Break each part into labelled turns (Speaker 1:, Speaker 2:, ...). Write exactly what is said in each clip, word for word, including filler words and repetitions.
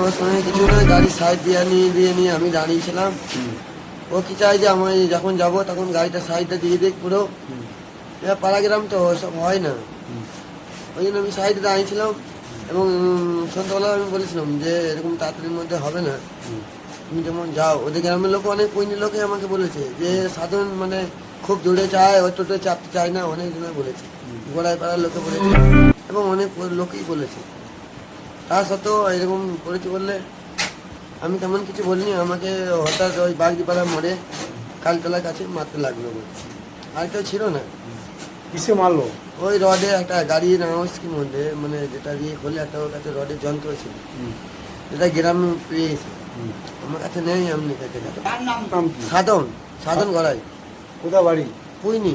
Speaker 1: আমার সঙ্গে কিছু না, গাড়ি সাইড দিয়ে নিয়ে দিয়ে নিয়ে আমি দাঁড়িয়েছিলাম। ও কি চাই যে আমি যখন যাব তখন গাড়িটা সাইডটা দিয়ে দিক পুরো। এবার পাড়া গ্রাম তো ওসব হয় না, ওই জন্য আমি সাইডে দাঁড়িয়েছিলাম। এবং সন্ধ্যাবেলা আমি বলেছিলাম যে এরকম তাড়াতাড়ির মধ্যে হবে না, তুমি যেমন যাও। ওদের গ্রামের লোক অনেক পৈনি লোকে আমাকে বলেছে যে সাধারণ মানে খুব জোরে চায়, ও টোটো চাপতে চায় না, অনেক জনে বলেছে, গোড়ায় পাড়ার লোকে বলেছে এবং অনেক লোকেই বলেছে। তা সত্ত্বেও এরকম করেছি বললে আমি তেমন কিছু বলিনি। আমাকে হঠাৎ ওই বাগদিপাড়া মোড়ে কালতলার কাছে মারতে লাগলো, আর কেউ ছিল না।
Speaker 2: কিসে মারলো?
Speaker 1: ওই রডে একটা গাড়ি নামাজকির মধ্যে মানে যেটা দিয়ে খোলে একটা ওর কাছে রডের যন্ত্র ছিল, যেটা গ্রামে পেয়েছে, আমার কাছে নেই। এমনি কাছে
Speaker 2: নাম কি?
Speaker 1: সাধন, সাধন গড়াই।
Speaker 2: কোথা বাড়ি?
Speaker 1: পুইনি।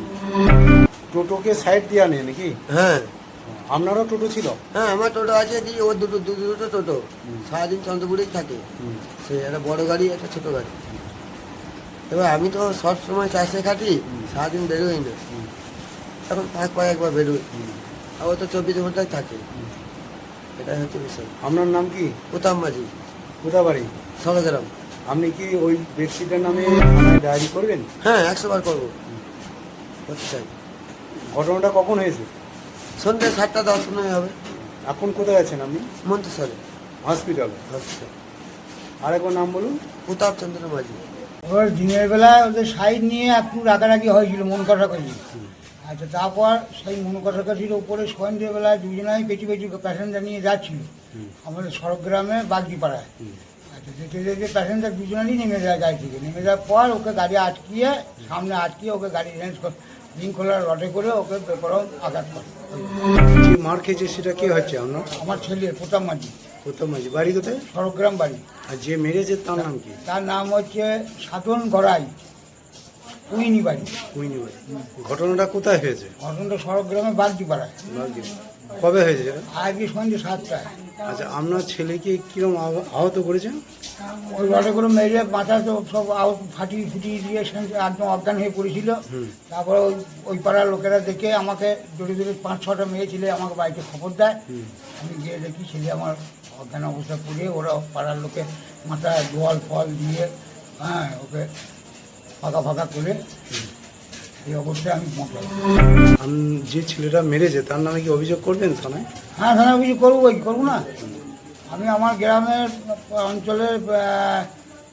Speaker 2: টোটোকে সাইড দিয়ে আনে নাকি?
Speaker 1: হ্যাঁ
Speaker 2: আপনারও টোটো ছিল?
Speaker 1: হ্যাঁ আমার টোটো আছে, দিয়ে ওর দুটো দুটো দুটো টোটো সারাদিন চন্দ্রপুরেই থাকে। সে একটা বড় গাড়ি একটা ছোট গাড়ি। এবার আমি তো সব সময় চাষে খাটি, সারাদিন বেরোই না, এখন পাঁচ পায়ে একবার বেরোই, আর ও তো চব্বিশ ঘন্টায় থাকে। এটাই হচ্ছে বিষয়।
Speaker 2: আপনার নাম কি?
Speaker 1: উত্তম মাঝি,
Speaker 2: কোথা বাড়ি?
Speaker 1: সরগ্রাম।
Speaker 2: আপনি কি ওই ব্যক্তিটার নামে থানায় ডায়েরি করবেন?
Speaker 1: হ্যাঁ একশো বার করবো, করতে চাই।
Speaker 2: ঘটনাটা কখন হয়েছে?
Speaker 1: সন্ধ্যে সাতটা দশ পনেরো হবে।
Speaker 2: এখন কোথায় আছেন আপনি?
Speaker 1: মন্তেশ্বরে
Speaker 2: হসপিটালে।
Speaker 1: হসপিটাল।
Speaker 2: আর একবার নাম বলুন।
Speaker 1: প্রতাপ চন্দ্র মাঝি।
Speaker 3: ওর দিনের বেলা ওদের সাইড নিয়ে একটু রাগারাগি হয়েছিল, মন কষাকষি। আচ্ছা, তারপর সেই মন কষাকষির ওপরে সন্ধ্যেবেলায় দুজনাই পেটি পেটি প্যাসেঞ্জার নিয়ে যাচ্ছিল আমাদের সড়কগ্রামে বাগদিপাড়ায়। আচ্ছা, যেতে যেতে প্যাসেঞ্জার দুজনেরই নেমে যায় গাড়ি থেকে। নেমে যাওয়ার পর ওকে গাড়ি আটকিয়ে, সামনে আটকিয়ে ওকে গাড়ি রেঞ্জ রিং খোলার রডে করে ওকে বেপরম আঘাত করে।
Speaker 2: যে মার খেয়েছে সেটা কে হচ্ছে আপনার?
Speaker 3: আমার ছেলে প্রতাপ মাঝি,
Speaker 2: প্রথম মাঝি। বাড়ি কোথায়?
Speaker 3: সড়কগ্রাম বাড়ি।
Speaker 2: আর যে মেরেছে তার নাম কি?
Speaker 3: তার নাম হচ্ছে সাধন গড়াই, কুইনি বাড়ি।
Speaker 2: কুইনি বাড়ি। ঘটনাটা কোথায় হয়েছে?
Speaker 3: ঘটনাটা সড়কগ্রামে বাগদিপাড়ায়।
Speaker 2: কবে হয়েছে?
Speaker 3: আজকে সন্ধ্যে সাতটায়।
Speaker 2: আচ্ছা, আপনার ছেলেকে কিরকম আহ- আহত করেছেন?
Speaker 3: ওই রডে করে মেরে মাথা তো সব আউট ফাটিয়ে ফুটিয়ে দিয়ে সেখানে একদম অজ্ঞান হয়ে পড়েছিল। তারপরে ওই ওই পাড়ার লোকেরা দেখে আমাকে জোরে জোরে পাঁচ ছটা মেয়ে ছেলে আমাকে বাড়িতে খবর দেয়। আমি গিয়ে দেখি ছেলে আমার অজ্ঞান অবস্থা পড়ে, ওরা পাড়ার লোকে মাথায় জল ফল দিয়ে হ্যাঁ ওকে ফাঁকা ফাঁকা করে এই অবস্থায় আমি পৌঁছাই।
Speaker 2: আমি যে ছেলেটা মেরেছে তার নামে কি অভিযোগ করবেন থানায়?
Speaker 3: হ্যাঁ থানায় কিছু করবো, কি করবো না। আমি আমার গ্রামের অঞ্চলের আহ,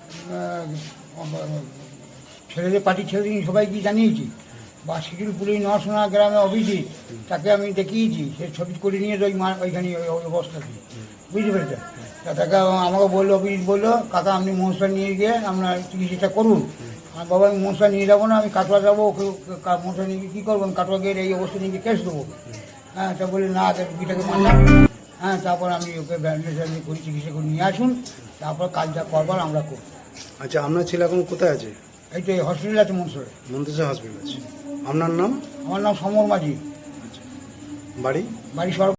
Speaker 3: আহ, ছেলেদের পার্টির ছেলেদের সবাইকে জানিয়েছি, বা শিডিউল পুলিশ নরসোনা গ্রামে অভিজিৎ, তাকে আমি দেখিয়েছি, সে ছবি করে নিয়ে ওই মা ওইখানে ওই অবস্থাতে, বুঝতে পেরেছে। তা তাকে আমাকে বললো, অভিজিৎ বললো, কাকা আপনি মনসা নিয়ে গিয়ে আপনার চিকিৎসাটা করুন। আর বাবা আমি মনসা নিয়ে যাবো না, আমি কাটোয়া যাবো, ওকে মনসা নিয়ে গিয়ে কী করবো, আমি কাটোয়া গিয়ে এই অবস্থা নিয়ে গিয়ে কেস দেবো। হ্যাঁ তা বলি না, রুগীটাকে মারলাম। হ্যাঁ তারপর আমি ওকে ব্যান্ডেজ ব্যান্ডেজ করি, চিকিৎসা করে নিয়ে আসুন, তারপর কাজটা করবার আমরা করব।
Speaker 2: আচ্ছা, আপনার ছেলে এখন কোথায় আছে?
Speaker 3: এই তো এই হসপিটাল আছে মনসরে।
Speaker 2: মন্তেশ্বর হসপিটাল আছে। আপনার নাম?
Speaker 3: আমার নাম সমর মাঝি,
Speaker 2: বাড়ি?
Speaker 3: বাড়ি সর